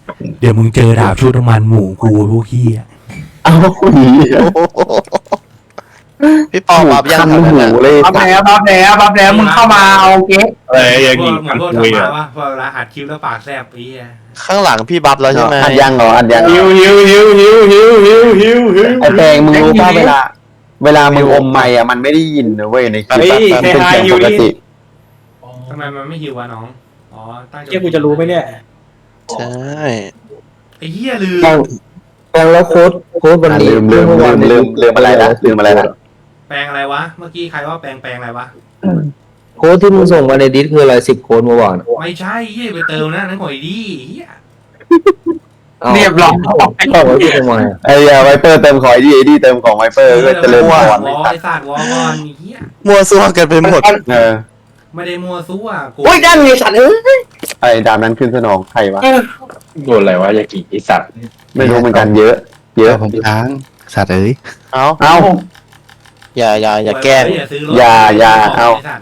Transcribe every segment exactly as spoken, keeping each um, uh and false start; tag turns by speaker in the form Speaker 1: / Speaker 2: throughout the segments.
Speaker 1: เดี๋ยวมึงเจอดาบชุดน้ำมันหมูกูพวกขี้อ่ะ
Speaker 2: เอาหี
Speaker 3: พี่ปอบับยัง
Speaker 2: คัน
Speaker 3: ทำนั่น
Speaker 2: หู
Speaker 3: น่ะ
Speaker 2: เลย
Speaker 4: บัฟแล้วบัฟแล้วบัฟแล้วมึงเข้ามาเอาเก๊ก
Speaker 5: เอ้ยอย่าง
Speaker 1: พว
Speaker 5: งี้
Speaker 1: กเหมื
Speaker 5: มั
Speaker 1: อน
Speaker 5: น
Speaker 1: พวก
Speaker 5: คุย
Speaker 1: ทำ
Speaker 5: อ่ะ
Speaker 1: มาว่าพอเวลาอัดคลิปแล้วปากแสบปีอ่ะ
Speaker 3: ข้างหลังพี่บับแล้วใช่ไหม
Speaker 2: อัดยังเหรออัดยัง
Speaker 5: หิวหิวหิวหิวหิวหิวหิวหิว
Speaker 2: ไอแปลงมึงรู้ป่ะเวลา เวลามึงอมไมค์อ่ะมันไม่ได้ยินนะเว้ยในคลิปอะมันเป็นเสียงปกติ
Speaker 1: ทำไมมันไม่หิววะน้องอ๋อตั้งใจ
Speaker 4: เก๊กกูจะรู้ไหมเนี่ย
Speaker 3: ใช่
Speaker 1: ไอ้เหี้ยลืม
Speaker 6: แปลงแล้วโค้ดโค้ดวัน
Speaker 2: อ่ะ
Speaker 6: นี้
Speaker 2: ลืมลืมลืมลืมลืมอะไรนะลืมอะไรนะ
Speaker 1: แปลงอะไรวะเมื่อกี้ใครว่าแปลงแปลงอะไรวะ
Speaker 6: โค้ดที่มึงส่งมาในดิสคืออะไรสิบโค้ดเมื่อวาน
Speaker 1: ไม่ใช่เหี้ยไปเติมนะนั่นหน่อยดิเหี้ย
Speaker 4: เรียบร้อย
Speaker 6: เอาไว้ที่ทำไมอะ
Speaker 2: ไอ้ไวเปอร์เติมของไอ้ดีไอ้ดีเติมของไวเปอร์ก็เจริญพ
Speaker 1: ว
Speaker 2: ร
Speaker 1: อไอ้สัตว์วอก่อนเหี้ย
Speaker 3: มั่วซั่วกันไปหมด
Speaker 2: เออ
Speaker 1: ไม่ได้มัวซั่วกู
Speaker 4: โอ้ยด้านไงสัตว์เอ้ย
Speaker 2: ไอ้ดามนั้นขึ้นสนองใครวะ
Speaker 5: โดนอะไรวะยากิไอสัตว์
Speaker 2: ไม่รู้เหมือนกันเยอะ เยอะ
Speaker 7: ผมค้างสัตว์เอ้ย
Speaker 3: เอา
Speaker 2: เอ้า
Speaker 3: อย่าอย่าอย่าแกล้ง
Speaker 1: อย่าซื้อรถ
Speaker 2: อย่าอย่าเอา
Speaker 1: ไสัตว์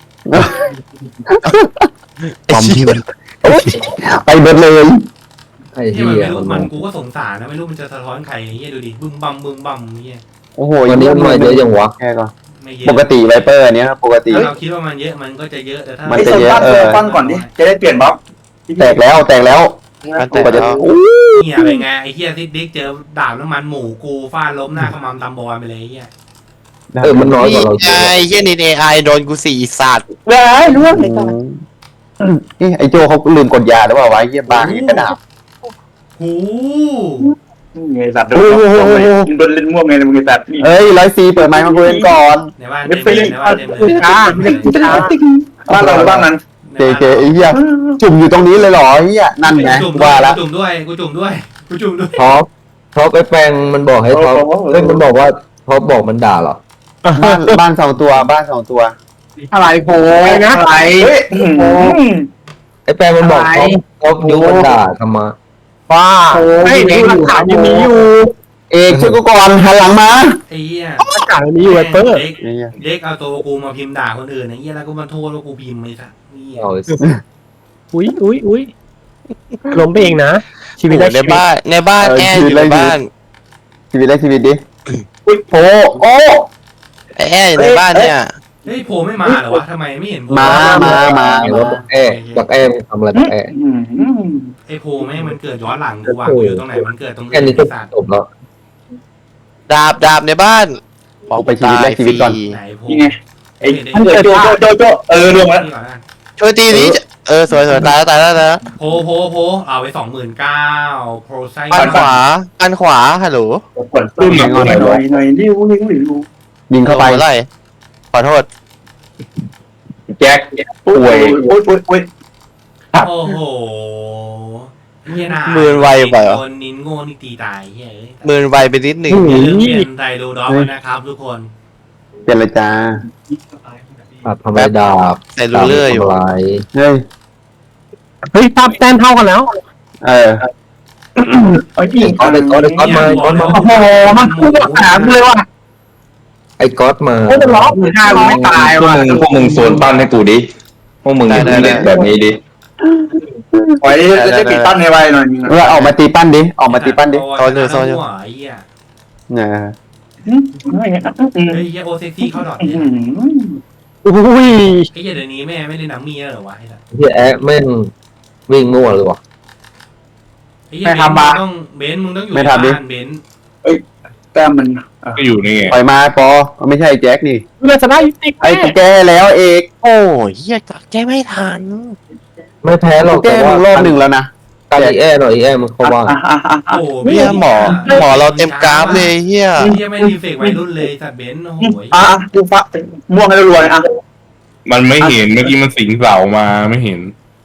Speaker 7: ปอมที่มัน
Speaker 2: ไปเบิดเลย
Speaker 6: ไอ้
Speaker 1: เหี้ย
Speaker 6: เหี้
Speaker 1: มัน
Speaker 6: ย
Speaker 1: ไม่รู้
Speaker 6: มัน
Speaker 1: มันกูก็สงสารนะไม่รู้มันจะสะท้อนใครเหี้ยดูดิบึ้มบัมบึ้มบัมเหี้ย
Speaker 2: โอ้โห
Speaker 6: วันนี้มันมาเยอะยังวะ
Speaker 2: แค่ก่อน
Speaker 1: ไม่เยอะ
Speaker 2: ปกติไวเปอร์อันเนี้ยปกติ
Speaker 1: ถ้าเราคิดว่ามันเยอะมันก็จะเยอะแต่ถ้า
Speaker 2: มัน
Speaker 4: ไอ้
Speaker 2: จะ
Speaker 4: โซน
Speaker 2: เยอะ
Speaker 4: ปั้น
Speaker 2: เอ
Speaker 4: โซ
Speaker 2: อ
Speaker 4: นปั้นก่อนดิจะได้เปลี่ยนบัฟ
Speaker 2: แตกแล้วแตกแล้ว
Speaker 3: มันแต่
Speaker 2: กว่าจะ
Speaker 3: แล้ว
Speaker 1: เหี้ยอะไรไงไอ้เหี้ยซิดดิกเจอดาบน้ำมันหมูกูฟาดล้มหน้าขมำตำบอลไปเลยไอ้เหี้ย
Speaker 6: เออมันน้อยก
Speaker 3: นี่
Speaker 6: ว่าเราเย
Speaker 3: ไง
Speaker 6: อะ
Speaker 3: เฮียนี่เอไอโดนกูสี่สัตว์
Speaker 4: เว้ยรู้ว่าไอ้สัตว์
Speaker 2: อืมเอ๊ะไอ้โจเขาลืมกดยาหรือเปล่าวะไอ้เหี้ยบ้าอย่างนี้กระดาบ
Speaker 1: หู
Speaker 4: ไงสัตว์โดนโดนเล่นม่วงไงมึงไอ้สัตว์นี่
Speaker 2: เอ้ยร้อยซีเปิดไมค์มาคุยกันก่อน
Speaker 1: ในบ้านเต็มเลยในบ้านเต็มเลย
Speaker 4: ช้าเล็กช้าบ้านเราบ้านนั้น
Speaker 2: เจเจไอ้เหี้ยจุ่มอยู่ตรงนี้เลยเหรอไอ้เหี้ยนั่นไง
Speaker 1: กูจุ่มด้ว
Speaker 2: ว่าย ละ
Speaker 1: กูจุ่มด้วยกูจุ่มด้วยกูจุ่มด้วย
Speaker 6: ท็อปท็อปไอ้แปลงมันบอกให้ท็อปเฮ้ยมันบอกว่าท็อปบอกมันด่าเหรอ
Speaker 2: บ้านบ้านสองตัวบ้านสองตัว
Speaker 4: อะไรโผล่นะอะไรเฮ้ย
Speaker 6: ไอ้แปลงมันบอกท็อปท็อปยุมันด่าทำไม
Speaker 2: ว้า
Speaker 4: ไม่เด็กหลักฐานยังมีอยู่
Speaker 2: เอกช่วยกูก่อนหันหลังมา
Speaker 1: ไอ้เหี้ย
Speaker 4: หลักฐานยังมีอยู่ไอ้เปิ้ล
Speaker 1: เด็ก
Speaker 2: ไอ้เหี้ย
Speaker 1: เด็กเอาตัวกูมาพิมพ์ด่าคนอื่นไอ้เหี้ยแล้วก็มาโทษว่ากูพิมพ์ไอ้สัสนี่
Speaker 6: เอาไอ้
Speaker 8: อุ้ยอุ้ยอุ้ยล้มไปเองนะ ชีวิต
Speaker 3: โอ้
Speaker 8: ได้
Speaker 3: ในบ้านในบ้านแอร์อยู่ในบ้าน
Speaker 2: ชีวิตได้ชีวิตดิโอ้โอ้
Speaker 3: ไอแอร์อยู่ในบ้านเนี่ย
Speaker 1: เฮ้ยโผล่ไม่มาเหรอวะทำไมไม่เห็นโผล่
Speaker 2: มามามา
Speaker 6: ไอ้ว่าบักแอ้บักแอ้มันทำอะไรบักแอ้
Speaker 1: ไอ้โผล่แม่งมันเกิดย้อนหลังกูว่ะกูอยู่ตรงไหนมันเกิดตรง
Speaker 6: แค่นี้
Speaker 1: ไอ้
Speaker 6: ก็
Speaker 1: สัตว์
Speaker 6: จบแล้ว
Speaker 3: ดาบดาบในบ้าน
Speaker 2: เอาไปชีวิตแรกชีวิตก่อน
Speaker 1: ไหนโผล่
Speaker 4: นี่ไงไอ้โจโจโจโจเออรวมแล้ว
Speaker 1: นี่ก่อนนะ
Speaker 3: ช่วยตีนี้เออสวยสวยตายแล้วตายแล้วตายแล้ว
Speaker 1: โผล่โผล่โผล่เอาไปสองหมื่นเก้าโปรไซ
Speaker 3: ปันขวาปันขวาฮัลโหล
Speaker 4: กดปื้มหน่อยหน่อยหน่อยหน่อยริ้วริ้วริ้ว
Speaker 2: ยิงเข้าไป
Speaker 3: อะไรขอโทษ
Speaker 4: แจ็คป่วยโอ้ยโอ้ยโอ้ย
Speaker 1: โอ้โหเฮียนา
Speaker 3: มือไวไปเหรอ
Speaker 1: คนนินโง่นี่ตีตายเฮ้ย
Speaker 3: มือไวไปนิดหนึ่ง
Speaker 1: อย่าลืมเปลี่ยนไดโรดอฟนะครับทุกคน
Speaker 2: เจรจา
Speaker 6: ตัดทำไมดาบ
Speaker 3: แต่รู้เรื่อยอยู่
Speaker 6: ทำอะไร
Speaker 2: เฮ้ย
Speaker 8: เฮ้ยภาพแต้มเท่ากันแล้ว
Speaker 2: เออ
Speaker 4: ไอ้พี่
Speaker 6: ก๊อตไอ้ก๊อตไอ้ก๊อตมาไอ้ก๊อตมา
Speaker 4: โอ้โหมันพูดถามเลยว่า
Speaker 6: ไอ้ก๊อตมา
Speaker 4: โอ้จะล็อกมือห้าไม่ตาย
Speaker 5: พวก
Speaker 4: ว่ะ
Speaker 5: มึงพวกมึงโซนปั้นให้กูดิพวกมึงอย่าเพิ่งเล่นแบบนี้ดิ
Speaker 4: ปล่อยจะได้ปิดตั้นในไว้หน่อย
Speaker 2: เออออกมาตีปั้นดิออกมาตีปั้นดิ
Speaker 1: โซนอยู่โซนอยู่ไอ้เหี้ย
Speaker 2: เนี่ย
Speaker 1: เฮ้ยเฮียโอเซ็กซี่เข้าดอทเนี่ย
Speaker 8: อุ้ย
Speaker 1: ไอ้เหี้ยเดี๋ยวนี้แม่ไม่ได้หนังมีแล้วเหรอวะไอ้สัส
Speaker 6: เฮียแอ๊ะแม่งวิ่งมั่วเลยวะ
Speaker 1: ไอ้เหี้ยเบนมึงต้องเบนมึงต้องอยู่ในบ้านเบน
Speaker 4: แต้มมัน
Speaker 5: ก็อยู่นี่ไง
Speaker 2: ปล่อยมาปอไม่ใช่แจ็คนี่
Speaker 8: เลือดจะได้ติด
Speaker 2: ไอ้กูแก้แล้วเอก
Speaker 3: โอ้ยเฮียจักแก้ไม่ทัน
Speaker 6: ไม่แพ้หร
Speaker 2: กู
Speaker 6: อก
Speaker 2: แก้
Speaker 6: แต่
Speaker 2: มึ
Speaker 6: ว่าง
Speaker 2: รอบหนึ่งแล้วนะ
Speaker 6: การอีแอ้หน่อยอีแอ้มันเขาว่า
Speaker 1: โอ้โห
Speaker 3: เฮียหมอหมอเราเต็มกราฟเลยเฮีย
Speaker 1: เฮียไม่รีเฟกวัยรุ่นเลยสัตว์เบนโอ้โห
Speaker 4: อ่ะกูฟ้าม่วงให้รวยอ่ะ
Speaker 5: มันไม่เห็นเมื่อกี้มันสิงเสามาไม่เห็น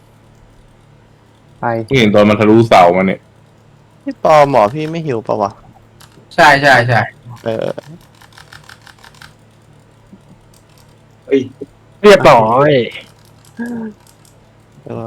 Speaker 2: ไป
Speaker 5: ไม่เห็นตอนมันทะลุเสามาเนี่ย
Speaker 3: พี่ปอหมอพี่ไม่หิวปะวะ
Speaker 4: ใช่ใช่ใช่
Speaker 3: เออ
Speaker 8: เรียบร้อย
Speaker 3: สวย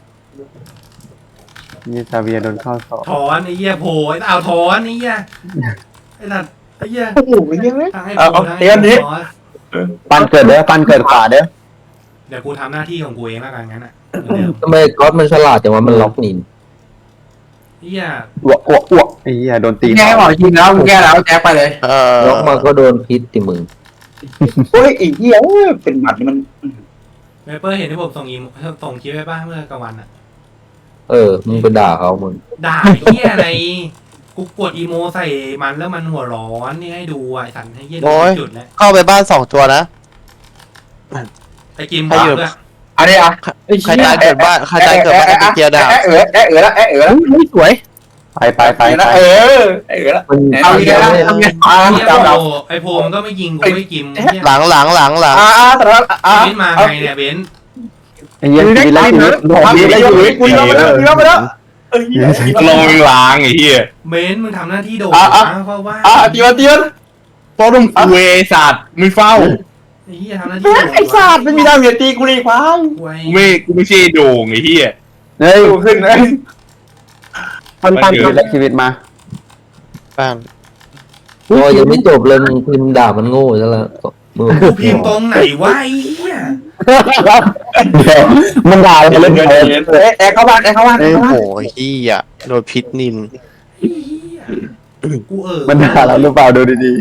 Speaker 2: นี่ซาเวียโดนเข้าสอบ
Speaker 1: ถอนไอ้เหี้ยโผล่ไอ้เอาถอนไอ้เหี้ยไอ้สัตว์ไอ้เหี้ย
Speaker 4: โอ้โหยังไง
Speaker 1: ทางให้
Speaker 4: เอา
Speaker 1: โผล่
Speaker 4: เอา
Speaker 1: ทาง
Speaker 4: เตรียมดิ
Speaker 1: ให้ถอน
Speaker 2: ปั้นเกิดเด้อปั้นเกิดขวาเด้อ
Speaker 1: เดี๋ยวกูทำหน้าที่ของกูเองแล้วกันงั้นอ่ะเดี๋ยว
Speaker 6: ทำไมก๊อตมันฉลาดแต่ว่ามันล็อกนิน
Speaker 1: เฮีย
Speaker 2: อ้วกอ้วกอ้วกไอ้เหี้ยโดนตี
Speaker 4: แก้หมอจริงแล้วมึงแก้แล้วแก้ไปเลย
Speaker 3: เออ
Speaker 6: ล็อกมาก็โดนพิษติมึง
Speaker 4: โอ้ยอีกเหี้ยเป็นหมัดมัน
Speaker 1: เวเปอร์เห็นที่ผมส่งอีส่งคลิปไปป่ะเมื่อกลางวันอะ
Speaker 6: เออ มึงไปด่าเขามึง
Speaker 1: ด่าไอ้เฮียอะไรกูกดอีโมใส่มันแล้วมันหัวร้อนนี่ให้ดูอ่ะไอ้สันให้เฮียดูจุดแล้ว
Speaker 3: เข้าไปบ้านสองตัวนะ
Speaker 1: ไอ้กิมบอกด้วย
Speaker 4: อันนี้อ่ะ
Speaker 3: ใครตายเกิดบ้านใครตายเกิดบ้านไอ้เกียร์ดาบ
Speaker 4: แอะเอ๋อแอะเอ๋อแล้วแอะเอ๋อแล้ว
Speaker 8: อุ้ยสวย
Speaker 2: ไปไปไป
Speaker 4: ไป
Speaker 2: ไป
Speaker 4: นะเออแอะเอ๋อแล้ว
Speaker 6: มัน
Speaker 4: เอาอีกแล้วทำไงอ่า
Speaker 1: เฮีย
Speaker 4: จับ
Speaker 1: โพ
Speaker 4: เรา
Speaker 1: ไอ้โพมันก็ไม่ยิงกูไม่กิมเฮีย
Speaker 3: หลังหลังหลังหลัง
Speaker 4: อ่าแต่ละอ่า
Speaker 1: เบนมาไงเนี่ยเบน
Speaker 2: ไอ้เหี้ยชีวิตแรกชีวิตผม
Speaker 4: ทำ
Speaker 2: ชี
Speaker 4: ดี
Speaker 2: วิตแรกชีวิต
Speaker 4: ได้อยู่กูยอมไปแล้วกูยอมไปแล้วเอ้ย
Speaker 5: ลงล้างไอ้เหี้ย
Speaker 1: เบนมึงทำหน้าที่โดด
Speaker 4: อ่ะอ่ะ
Speaker 1: เพราะว่า
Speaker 4: อ่าเตียนเตียน
Speaker 5: เพราะต้องคุยไอ้สัตว์ไม่เฝ้า
Speaker 1: ไอ้เฮียทำหน้าที่โดด
Speaker 4: ไอ้สัตว์ไม่มีดาวเหยียดตีกูเลยควาย
Speaker 1: กูไอ้
Speaker 5: กูไม่กูไม่ใช่โด่งไอ้เหี้ย
Speaker 2: เฮ้ย
Speaker 4: กูขึ้นเลย
Speaker 8: ปันปัน
Speaker 2: ชีวิตแรกชีวิตมา
Speaker 3: บ้าน
Speaker 6: โอ้ยังไม่จบเลยมึงพิมพ์ด่ามันโง่ซะแล้วมึง
Speaker 1: กูพิมพ์ตรงไหนวะไอ้เฮีย
Speaker 2: มันด่าเราเล่น
Speaker 4: เดี๋ยว
Speaker 2: เกม
Speaker 4: เดี๋ยวแอะเข้าบ้านแอะเข้าบ้าน
Speaker 3: โอ้โหเฮียโดนพิษนิน
Speaker 1: ไอ้เฮียกูเออ
Speaker 2: มันด่าเราหรือเปล่าดูดี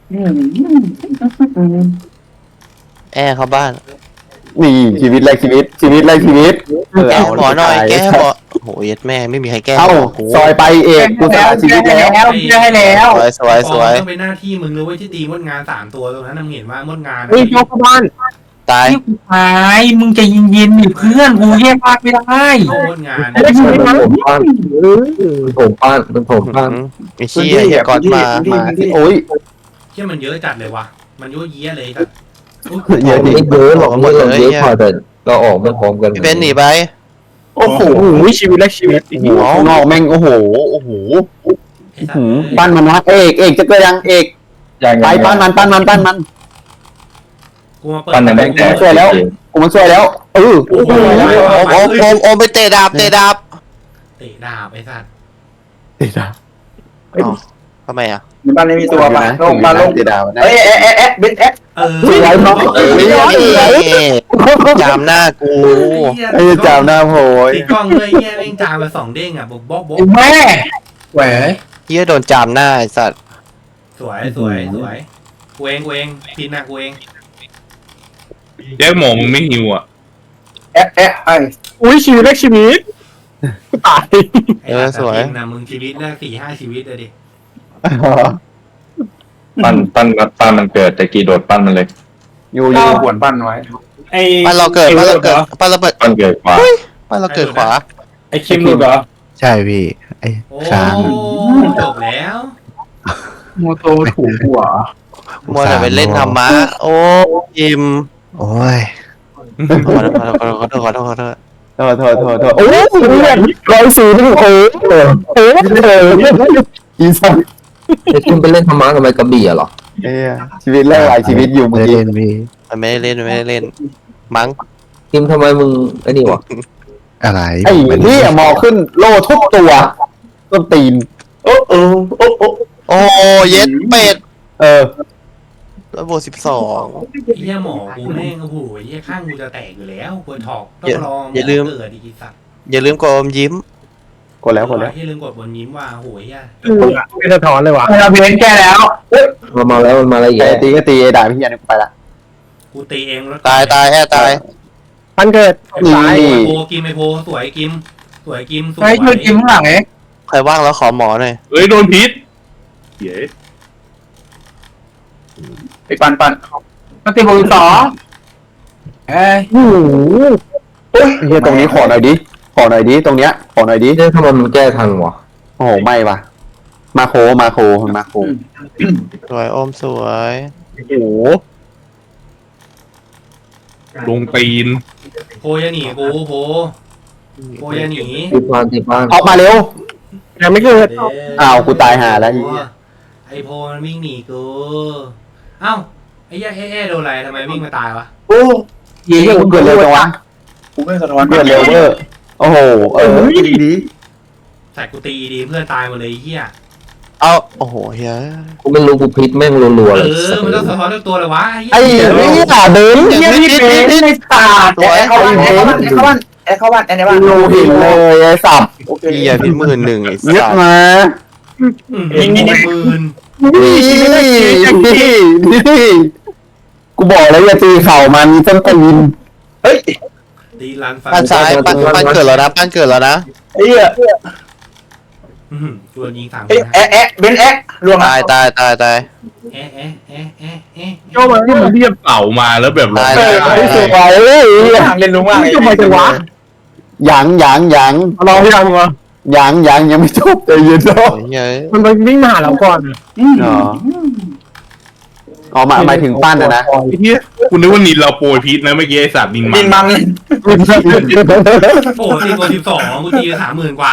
Speaker 3: แอร์เข้าบ้าน
Speaker 2: ๆนี่ชีวิตแรกชีวิตชีวิตแรกชีวิตเออ
Speaker 3: แก้
Speaker 2: เอา
Speaker 3: หมอหน่อยแก้หมอโอ้โหเย็ดแม่ไม่มีใครแก้
Speaker 2: เอ้า
Speaker 3: กู
Speaker 2: ซอยไปเอกกูสละชีวิตแล้ว
Speaker 4: แล้วให้แล้ว
Speaker 3: สวยสวยสวย
Speaker 1: ต้องเป็นหน้าที่มึงเลยเว้ยที่ตีมดงานสามตัวตรงนั้นมึงเห็นว่ามดงาน
Speaker 8: เฮ้ยยกเข้าบ้าน
Speaker 3: ตาย
Speaker 4: ที่กูหายมึงจะยินยินดิเพื่อนกูแยกภาคไม่ได้
Speaker 1: โมดงาน
Speaker 8: ได้ชีวิต
Speaker 6: มั
Speaker 8: นะ
Speaker 6: นผมป้านมันผมป้านมันผมป้าน
Speaker 3: ไอ้เชี่ยเฮียก่อนมา
Speaker 2: มาที่โอ้ย
Speaker 1: เฮียมันเยอะจัดเลยว่ะมันยั่วเยี้ยเลยแต่
Speaker 2: เยอะดิ
Speaker 6: ไม่เยอะหรอกไม่เราเยอะพอแต่เราออกไม่พร้อมกัน
Speaker 3: พี่เบนหนีไป
Speaker 4: โอ้โห
Speaker 8: โอ้ยชีวิตแรกชีวิต
Speaker 2: โอ้โหข้างนอกแม่งโอ้โหโอ้โห
Speaker 1: ไอ้สัต
Speaker 2: หืม
Speaker 1: ว์
Speaker 2: ปั้นมันวะเอกเอกจะเกิดยังเอกไปปั้นมันปั้นมันปั้นมัน
Speaker 1: กูมาเปิด
Speaker 5: ปั้นยังไง
Speaker 2: กูมาช่วยแล้วกูมาช่วยแล้วเออ
Speaker 1: โอ้โห
Speaker 3: โอมโอมโอมไปเตะดาบเตะดาบ
Speaker 1: เตะดาบไอ้สัตว์
Speaker 2: เดี๋ยวนะ
Speaker 3: ทำไมอ่ะ
Speaker 4: ในบ้านไม่มีตัวป่ะลงมาลง
Speaker 2: เดี๋ยวดาวนะ
Speaker 4: เอ้ยแอะแอะแอะเบ็ดแอะ
Speaker 1: เออ
Speaker 2: สวยเนาะเออ
Speaker 3: จามหน้ากู
Speaker 2: ไอ้จามหน้าโผล่
Speaker 1: ติดกล้องเลยเฮียแม่งจามมาสองเด้งอ่ะบอกบอกบอก
Speaker 4: แม่แหว
Speaker 3: เฮียโดนจามหน้าไอ้สัตว์
Speaker 1: สวยสวยสวยกูเองกูเองพินนะกูเอง
Speaker 5: แย่หมอมึงไม่หิวอ่ะ
Speaker 4: แอะแอะไอ้
Speaker 8: อุ้ยชีวิตแรกชีวิตตาย
Speaker 1: ไอ้สัตว์พินนะมึงชีวิตแรกสี่ห้าชีวิตเลยดิ
Speaker 5: ปั้นปั้นปั้นมันเกิดแต่กี่โดดปั้นมันเลย
Speaker 2: อยู่อ
Speaker 4: ข้า
Speaker 2: ยู่
Speaker 4: วขวนปั้นไว้
Speaker 9: ไอ้
Speaker 3: ปั้นเราเกิดปั้นเราเกิดปั้นเราเปิด
Speaker 5: ปั้นเกิดกว่า
Speaker 3: ปั้นเราเกิดขวา
Speaker 9: ไอ้คิมหลุดเหรอ
Speaker 7: ใช่พี่ไอ้
Speaker 1: โอ้
Speaker 7: ค้าง
Speaker 1: จบแล้ว
Speaker 4: โมโตถูกหัว
Speaker 3: มัวแต่ไปเล่นธรรมะโอ้ยิม
Speaker 7: โอ้ย
Speaker 3: ขอโทษขอโทษขอโทษขอโทษ
Speaker 2: โทษโทษโทษโทษโอ้ยเลือดร้อยสี่นี่โอ้โหโอ้โหอีสัน
Speaker 6: ไอ้คุณไปเล่นธรรมะกับไมกระบี่เหรอ
Speaker 2: เอ้ยชีวิตแรกหลายชีวิตอยู่
Speaker 7: ไม่
Speaker 2: เมื่อ
Speaker 7: ได้
Speaker 2: กี้
Speaker 7: เล่นพี่
Speaker 3: มันไม่ได้เล่นไม่ได้เล่นมั้ง
Speaker 6: ทีมทำไมมึงไอ้นี่วะ
Speaker 7: อะไร
Speaker 2: ไอ้นี่หมอขึ้นโล่ทุกตัวต้นตีน
Speaker 4: โอ้โอ้โอ้โอ้
Speaker 3: โอ้เย็ดเป็ด
Speaker 2: เออ
Speaker 3: ร้อยบวกสิบสอง
Speaker 1: เฮียหมอกูแม่งโอ้โหเฮียข้างกูจะแตกอยู่แล้วควรถอกต้องรอเกิดอีกสัตว์
Speaker 3: อย่าลืมกดอมยิ้ม
Speaker 2: กดแล้วกดแล้ว
Speaker 1: เฮียลืมกดบนยิ้มว่าโหยอ่ะ
Speaker 8: เป็นสะท้อนเลยว่ะ
Speaker 4: เราเพียนแก้แล้ว
Speaker 6: มามาแล้วมันมาแล้วอีก
Speaker 2: ไอ้
Speaker 6: แล้ว
Speaker 2: ตีก็ตีไอ้ด่าพี่ยันไปละ
Speaker 1: กูตีเองแล้ว
Speaker 3: ตายตายแอตาย
Speaker 8: ปันเกิด
Speaker 2: นี่
Speaker 1: ตายโพกิมไอโพสวยกิมสวยกิมสวย
Speaker 4: ไอ้ช่วยกินข้างหลังเอ๊ะ
Speaker 3: ใครว่างแล้วขอหมอหน่อย
Speaker 5: เอ้ยโดนพิษเย้
Speaker 4: ไปปันปันมาตีบอลสองเอ้ย
Speaker 2: โอ้โหเฮียตรงนี้ขอหน่อยดิขอหน่อยดิตรงเนี้ยขอหน่อยดิ
Speaker 6: เรื่องทำไมมันแก้ทันวะ
Speaker 2: โอ้โหไม่ว่ะมาโคมาโคมาโค
Speaker 3: สวยอมสวย
Speaker 2: โอ้โห
Speaker 5: ลงตีน
Speaker 1: โพอย่าหนีกูโพโพอย่าหนี
Speaker 6: ติดบ้านติดบ้าน
Speaker 2: ออกมาเร็ว
Speaker 8: ยังไม่เกิด
Speaker 2: อ้าวกูตายห่าแล้วไอ้เหี้ย
Speaker 1: ไอโพมันวิ่งหนีกูเอ้าไอ้เหี้ยเอ๊ะโดนอะไรทำไมวิ่งมาตายวะ
Speaker 4: โอ้
Speaker 2: เฮียกูเกิดเร็วจังวะ
Speaker 4: กูไม่สะท้อน
Speaker 2: เกิดเร็วเวอร์โอ้โหเออดีดี
Speaker 1: ใส่กูตีดีเพื่อนตายหมดเลยไอ้เฮีย
Speaker 3: เอาโอ้โหเฮ้ย
Speaker 6: กูไม่รู้กูพิษแม่งรัวๆ
Speaker 1: เอ
Speaker 6: เลย
Speaker 1: อมันต้องสะท้อนทุกตัวเลยวะ
Speaker 2: ไอ้
Speaker 1: เหี้ย
Speaker 2: นี่อ่ะเดิน
Speaker 3: เดี๋ยว
Speaker 2: นี่
Speaker 3: นิดนิดนิด
Speaker 4: ไม่ตาดเข้าบ้านเข้าบ้านเข้าบ้านแอดเข้าบ้านแอดในบ้าน
Speaker 2: โลหินเลยไอ้สับ
Speaker 4: โอเค
Speaker 3: เฮียพิษหมื่นหนึ่งไอ้
Speaker 2: เงียบ
Speaker 3: สัส
Speaker 2: มา
Speaker 1: ยิงยิงหมื่น
Speaker 2: นี่นี่นี่กูบอกแล้วอย่าตีเข่ามันต้นตีน
Speaker 4: เฮ้ย
Speaker 1: ตีลันฟัน
Speaker 3: ปั้นซ้ายปั้นปั้นเกิดแล้วนะปั้นเกิดแล้วนะ
Speaker 4: ไอ้เหี้ย
Speaker 1: อื้อหือตัวยิงสามค
Speaker 4: เอ้ย
Speaker 1: น
Speaker 4: แอะแอะเบนแอะรวม
Speaker 3: ตายตายตายตาย
Speaker 1: เอ๊ะเอ๊ะเอ๊ะเอ๊ะเอ๊ะ
Speaker 8: โยมาที่มัน
Speaker 9: เรียบเต่ามาแล้วแบบ
Speaker 3: ตาย
Speaker 4: เอ
Speaker 3: ตาย
Speaker 4: อ
Speaker 3: ตาย
Speaker 2: ไม่สวยเลย
Speaker 4: เล่นลุงว่าง
Speaker 8: ทำไมจังวะ
Speaker 2: หยังหยังหยัง
Speaker 8: รอพี่ดังวะ
Speaker 2: หยังหยังยังไม่จบใจเย็นเนาะ
Speaker 3: โอ้ยเฮีย
Speaker 8: มันไปวิ่งมาหาเราก่อน
Speaker 2: อ๋ออ๋อมาหมายถึงปั้นนะนะ
Speaker 9: ไอ้เหี้ยคุณนึกว่านินเราโปรยพิษนะเมื่อกี้ไอ้สัตว์นินมั
Speaker 4: ดิ
Speaker 9: น
Speaker 4: นมัน
Speaker 1: โอ้โหตีตัวสิบสองกูตีสามหมื่นกว่า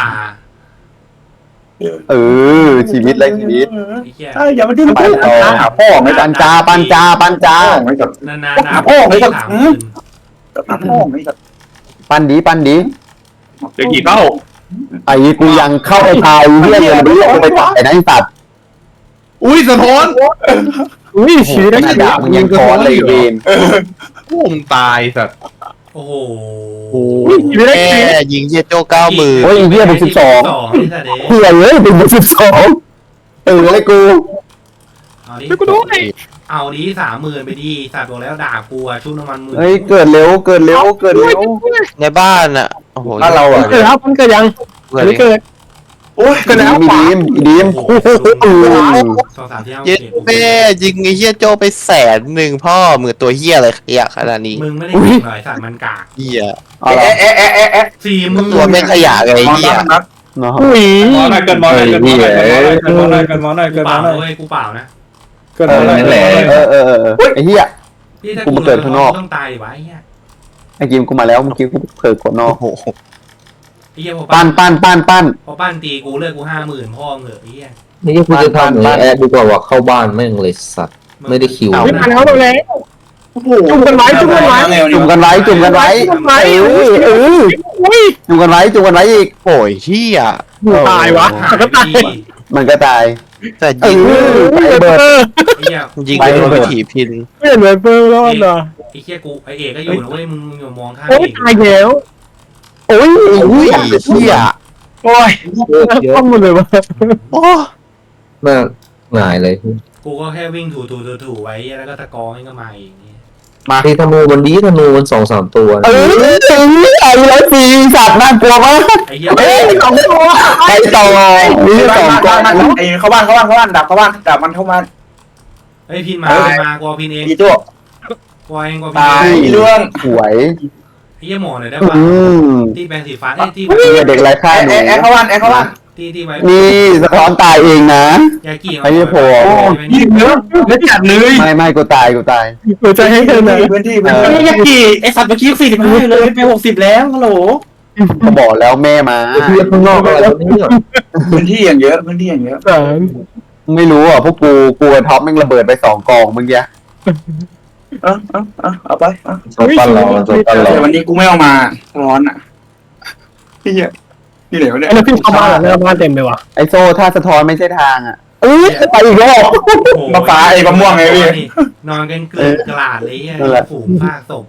Speaker 2: เออชีวิตไรชีวิต
Speaker 1: ไอ้เหี้ย
Speaker 4: เอ้ยอย่ามาดิ้น
Speaker 2: ไปต่อ
Speaker 4: หาพ่อไม่
Speaker 2: ปันจาปันจาปันจา
Speaker 4: พ่อไม่กับ
Speaker 1: นานๆนะ
Speaker 4: หาพ่อไม่กับ
Speaker 1: สามหมื่น
Speaker 4: หาพ่อไม่กับ
Speaker 2: ปันดีปันดี
Speaker 9: จะกี่เท่า
Speaker 2: ไอ้กูยังเข้าไปทายเรื่องเลยไม่ลงไปตายนะไอ้สัตว์
Speaker 9: อุ้ยสะท้อน
Speaker 8: อุ้ยชีวิต
Speaker 2: ข
Speaker 8: ได้
Speaker 2: นาด
Speaker 8: ชีวิต
Speaker 2: ดาบมึงยังคอนเลยเวน
Speaker 9: โอ้มตายสัตว์
Speaker 1: โอ้โห
Speaker 3: โอ้ยแม่ยิงเฮียโจ้เก้าหมื่น
Speaker 2: โอ้ยเฮียบุกสิบสอง
Speaker 1: ไอ้สัตว์เด้
Speaker 2: เฮียเลยเป็นบุกสิบสองเออเลยกู
Speaker 1: เอาดิ
Speaker 8: ช่วยกูด้วย
Speaker 1: เอาดิสามหมื่นไปดิสัตว์บอกแล้วด่ากูอะชุบน้ำมันหมื่น
Speaker 2: เฮ้ยเกิดเร็วเกิดเร็วเกิดเร็ว
Speaker 3: ในบ้านอ่ะโอ้โห
Speaker 4: ถ้าเราอ่ะ
Speaker 8: เกิดแล้วมันเกิดยัง
Speaker 3: เพื่อน
Speaker 8: ไม่เกิด
Speaker 4: โอ้ย
Speaker 2: อีดีมอีดีม
Speaker 1: โอ้โห
Speaker 2: โอ้โห
Speaker 1: สองสามที่ห้า
Speaker 3: เย็ด
Speaker 1: โอเค
Speaker 3: แม่ยิงไอ้เฮียโจ้ไปแสนหนึ่งพ่อมือตัวเฮียอะไรขยะขนาดนี้
Speaker 1: มึงไม่ได้ยิงหน่อยสัตว์มันกาก
Speaker 3: เฮีย
Speaker 2: เอาละ
Speaker 4: แอะแอะแอะแอะ
Speaker 1: สี่หมื่น
Speaker 3: ตัวแม่งขยะไงไอ้เฮีย
Speaker 4: นับ
Speaker 2: เนาะ
Speaker 8: อุ้ย
Speaker 9: มอหน่อยเกินมอหน่อยเกินมอหน่อยเกินมอหน่อยเกินมอหน่อย
Speaker 1: กู
Speaker 9: เกินม
Speaker 1: เป
Speaker 9: อ
Speaker 1: ล่า
Speaker 9: หน่อย
Speaker 1: เว้ยกูเปล่านะ
Speaker 9: เกินมอหน่อย
Speaker 5: นั่นแหละ
Speaker 2: เออเออเออไอ้เหี้ย
Speaker 1: พี่ถ้า
Speaker 2: กูมาเกิดข้างนอก
Speaker 1: ต้องตายดิวะไอ้เหี้ย
Speaker 2: ไอ้กิมกูมาแล้วเมื่อกี้กูเผลอกดนอก
Speaker 3: โอ้โห
Speaker 1: ไอ้เหี้ยพอ
Speaker 2: ปั้
Speaker 1: ปั้
Speaker 2: น
Speaker 1: น
Speaker 2: ปั้นปั้นปั้น
Speaker 1: พอปั้นตีกูเลิกกูห้าหมื่นพ่อเหงอะไอ้เหี้ย
Speaker 6: นี่กูจะทำอย่างนี้แอดดีกว่าว่าเข้าบ้านแม่งเลยสัตว์ไม่ได้คิว
Speaker 8: ไม่มาแล้วเราแล้ว
Speaker 4: โอ้โห
Speaker 8: จุ่มกันไว้จุ่มกันไว้
Speaker 2: จุ่มกันไว้จุ่มกันไว้เออเออ
Speaker 8: อุ้ย
Speaker 2: จุ่มกันไว้จุ่มกันไว้อีก
Speaker 3: โอ้ยเฮีย
Speaker 8: ตายวะ
Speaker 1: หาย
Speaker 8: ก็ตาย
Speaker 1: ดี
Speaker 2: มันก็ตาย
Speaker 3: แต่
Speaker 2: เอ
Speaker 3: ยิง
Speaker 2: อไปเบิด
Speaker 1: ไอ้เหี้ย
Speaker 3: ยิงไปโดนวิถีพิน
Speaker 8: ไม่เห็นเหมือนเปิร์รอดเหรอ
Speaker 1: ไอ้เหี้ยกูไอ้เอกก็อยู่นะเว้ยมึงมึงอย่ามองข้าม
Speaker 8: โอ้ย
Speaker 1: เอก
Speaker 8: ตายแล้ว
Speaker 2: โอ้ย
Speaker 3: อุ้ยเฮีย
Speaker 4: โอ้ย
Speaker 8: ข้อมูลเลยวะ
Speaker 3: โอ้
Speaker 6: น่าหงายเลย
Speaker 1: กูก็แค่วิ่งถูถูถูถูไว้แล้วก็ตะกอให้ก็มาเองเนี่ย
Speaker 6: ที่ธนูมันดีธนูมันสองสามตัว
Speaker 2: เออไอ้ร้อยสี่สัตว์น่ากลัวมาก
Speaker 1: ไอ้เหี้ย
Speaker 2: เอ้ยสองตัวไปต่อนี่สองตัว
Speaker 4: บ้านไอ้เข้าบ้านเข้าบ้านเข้าบ้านดับเข้าบ้านดับมันเข้ามา
Speaker 1: ไอ้ยพินมาพินมากูเอาพินเอง
Speaker 4: อีตัว
Speaker 1: กูเอาเองกูเอาพิน
Speaker 4: ตาย
Speaker 1: เอง
Speaker 4: อีเรื่อง
Speaker 2: สวย
Speaker 1: ไอ้เหี้ยหมอหน่อยได้
Speaker 2: อื
Speaker 1: ปะ
Speaker 2: ม
Speaker 1: ที่แปรงสีฟ้าไอ้ยที่
Speaker 2: เด็กไรค่ายหนู
Speaker 4: แอะแอะเข้าบ้านแอะเข้าบ้าน
Speaker 1: ที่ที่ไว้
Speaker 2: นี่สะท้อนตายเองนะ
Speaker 1: ยากี่
Speaker 2: ไอ้เหี้ยโผล่
Speaker 4: ยิงเยอะแล้วจัดเลย
Speaker 2: ไม่ไม่กูตายกูตาย
Speaker 8: หัวใจให้เธอหน่อย
Speaker 4: พื้นที่
Speaker 2: เออ
Speaker 4: ยากี่ไอสัตว์เมื่อกี้สี่สิบห้าเลยไปหกสิบแล้วฮัลโหล
Speaker 2: ก็บอกแล้วแม่มา
Speaker 6: ที่ข้างนอกอะไรแบบนี้
Speaker 4: พื้นที่อย่างเยอะพื้นที่อย่างเยอะ
Speaker 8: สาม
Speaker 2: ไม่รู้อ่ะพวกกูกูกับท็อปแม่งระเบิดไปสองกองเมื่อกี้
Speaker 4: เออเออเออเอาไปเออ
Speaker 6: โซตันเราโซตันเรา
Speaker 4: แต่วันนี้กูไม่เอามาร้อนอ่ะพี่เหี้ยพี่เหลวเนี่ย
Speaker 8: ไอ้เราพี่เข้าบ้านแล้วบ้านเต็มเลยว่ะ
Speaker 2: ไอโซ่ถ้าสะท้อนไม่ใช่ทางอ่ะเอ้ยไปอีกรอบ
Speaker 4: มาฟ้าไอ้มะม่วงไงพี่
Speaker 1: นอนกันเกลือกระลาดเลยไอ้
Speaker 2: นั่นแหละ
Speaker 1: ฝูงซากศพ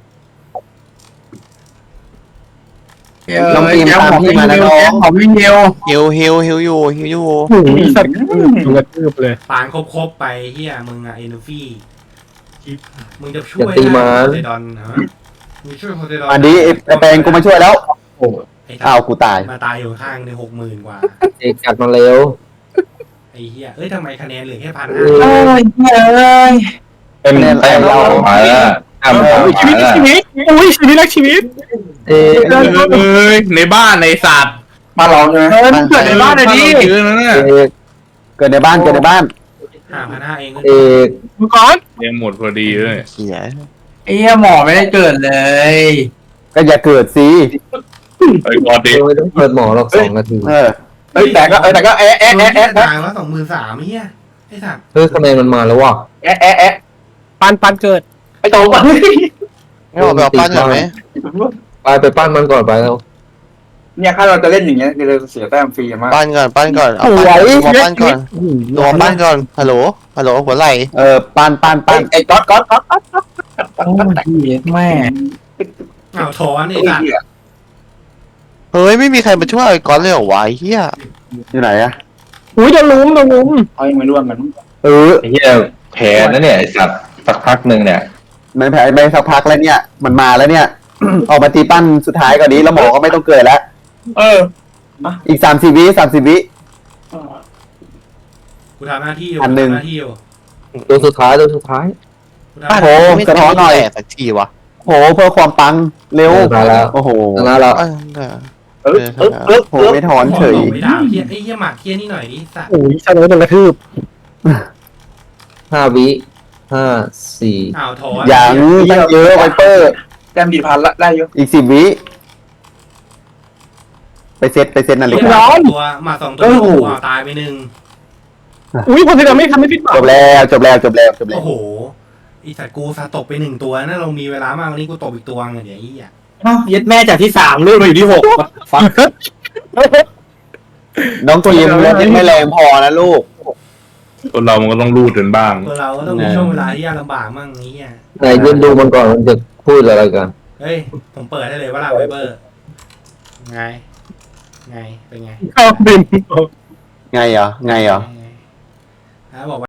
Speaker 2: น้องปีมตามพี่มานะน้อง
Speaker 4: ของวิ่งเดียว
Speaker 3: ฮิวฮิวฮิวอยู่ฮิวอยู่
Speaker 8: โอ้โหสัตว์ถูกกระทืบเลย
Speaker 1: ปานครบๆไปเฮียมึงอะเอนูฟี่มึงจะช่วย
Speaker 6: อย่าตีมัน
Speaker 1: โพไซดอนฮะมึงช่วยโพไซดอน
Speaker 2: อันนี้ไอ้ไอแปลงกูมาช่วยแล้ว
Speaker 1: ไอ้
Speaker 2: อ้าวกูตาย
Speaker 1: มาตายอยู่ข้างในหกหมื่นกว่า
Speaker 6: เอกกัดมาเร็ว
Speaker 1: ไอ้เฮียเอ้ยทำไมคะแนนเหลือแค่พัน
Speaker 6: เอ
Speaker 1: ห้า
Speaker 6: อ
Speaker 4: เอ้ยเอ้ย
Speaker 5: เต็มเต็มเรามาแล้วทำต่อ
Speaker 8: ชีวิต
Speaker 5: มาแล้ว
Speaker 8: ชีวิตอุ้ยชีวิตรักชีวิต
Speaker 6: เอก
Speaker 9: เอ้ยในบ้านในสัตว์
Speaker 4: มาเราใช่ไหม
Speaker 2: เออ
Speaker 4: เกิดในบ้านเลยดิ
Speaker 9: เยอะนะเนี่ย
Speaker 6: เอก
Speaker 2: เกิดในบ้านเกิดในบ้าน
Speaker 1: ห้าพันห้าเอง
Speaker 6: เอก
Speaker 8: มังกร
Speaker 9: ยังหมดพอดีเลย
Speaker 3: เฮีย
Speaker 4: ไอ้เหี้ยหมอไม่ได้เกิดเลย
Speaker 2: ก็อย่าเกิดสิ
Speaker 9: ไอ้กอดดิ
Speaker 6: ไม่ต้องเปิดหมอหรอกสองนาที
Speaker 2: เออ
Speaker 4: เอ้ยแต่ก็เอ้ยแต่ก็แอะ
Speaker 1: เอ๊ะ
Speaker 4: แอะ
Speaker 1: เอ๊ะ
Speaker 4: แอะ
Speaker 1: เอ๊ะ
Speaker 4: แอะ
Speaker 1: ตายว่าสองหมื่นสามเฮียไอ้สัตว์
Speaker 6: เฮ้ยคะแนนมันมาแล้วว่ะ
Speaker 4: แอะแอะแอะ
Speaker 8: ปันปันเกิด
Speaker 4: ไอ้โตมา
Speaker 3: ไม่ออกไปเอาปั้นก่อนไหม
Speaker 6: ไปไปปั้นมันก่อนไปแล้ว
Speaker 4: เนี่ยถ้าเราจะเล่นอย่างเงี้ยเราจะเสียแต้มฟรีมาก
Speaker 3: ปั้นก่อนปั้นก่อนเอาปั้นตัวปั้นก่อนตัวปั้นก่อนฮัลโหลฮัลโหลหัวไหล่
Speaker 2: เออปั้นปั้น
Speaker 4: ไอ้
Speaker 2: ปั้น
Speaker 4: ไอ้ก๊อตก๊อตก๊อตก๊อตก๊อต
Speaker 6: โอ้ยแม่
Speaker 1: อ้าวถอนไอ้สัตว์
Speaker 3: เฮ้ยไม่มีใครมาช่วยไอ้ก๊อตเลยเหรอวะไอ้เฮีย
Speaker 2: อยู่ไหนอะ
Speaker 8: อุ้ยโดนลุมโดนลุม
Speaker 4: เขายังไม่ร่วมกัน
Speaker 2: เออ
Speaker 5: ไอ้เหี้ยแพ้นะเนี่ยไอ้สัตว์สักพักหนึ่งเนี่ย
Speaker 2: มันแพ้ไปสักพักแล้วเนี่ย มันมาแล้วเนี่ย ออกมาตีปั้นสุดท้ายก่อนนี้แล้วหมอก็ไม่ต้องเกิดแล้ว
Speaker 4: เออ
Speaker 2: อีกสามสิบวิสามสิบวิ
Speaker 1: กูทำหน้าที่อยู่
Speaker 2: อันหนึ่ง
Speaker 1: กูทำหน้าที่อยู่
Speaker 6: ตัวสุดท้ายตัวสุดท้าย
Speaker 1: กูทำห
Speaker 3: บ้า
Speaker 1: น้าน ที่
Speaker 2: โอ้
Speaker 3: ไม่
Speaker 2: สะท้อนหน่อย
Speaker 3: แตกสักทีวะ
Speaker 2: โหเพื่อความปังเร็ว
Speaker 6: มาแล้ว
Speaker 2: โอ้โห
Speaker 6: ชนะแล้ว
Speaker 3: เออเออ
Speaker 4: เออเออเออ
Speaker 2: โหไม่ถอนเฉย
Speaker 1: บอกไม่ได้เฮียไอ้เฮียหมากเฮียนี่หน่อยดิสัตว์
Speaker 8: อุ้ยชนะโดนกระทืบ
Speaker 6: ห้าวิห้าสี่
Speaker 1: อ้าวถอน
Speaker 2: อย่างตั้งเยอะไวเปอร์
Speaker 4: แต้มดีพันละได้อยู่
Speaker 2: อีกสิบวิไปเซตไปเซตนาฬิ
Speaker 1: เฮีย
Speaker 2: กา
Speaker 1: หมาสองตัวหมาสองตัวกูเอาตายไปหนึ่ง
Speaker 8: อุ้ยคนที่เราไม่ทำไม่ผิดหวัง
Speaker 2: จบแล้วจบแล้วจบแล้วจบแล้ว
Speaker 1: โอ้โหอีสัตว์กูซาตกไปหนึ่งตัวนะเรามีเวลามากวันนี้กูตกอีกตัวไงเดี๋ยวไอ้เหี้ย
Speaker 4: ยึดแม่จากที่สามเลื่อนมาอยู่ที่หกฟัง
Speaker 2: น้องทีมรถไม่แรงพอนะลูก
Speaker 9: คนเรามันก็ต้องรูดกันบ้าง
Speaker 1: ตัวเราก็ต้องมีช่วงเวลาที่ยากลำบากมั่งไอ้เหี้ย
Speaker 6: ไหนยืนดูมันก่อนมันจะพูดอะไรกัน
Speaker 1: เฮ้ยผมเปิดให้เลยว่าลาไวเบอร์ไงไงเป็นไง
Speaker 8: เข้าบิน
Speaker 2: ไงเหรอไงเหรอ
Speaker 1: ไงแล้วบอกว่า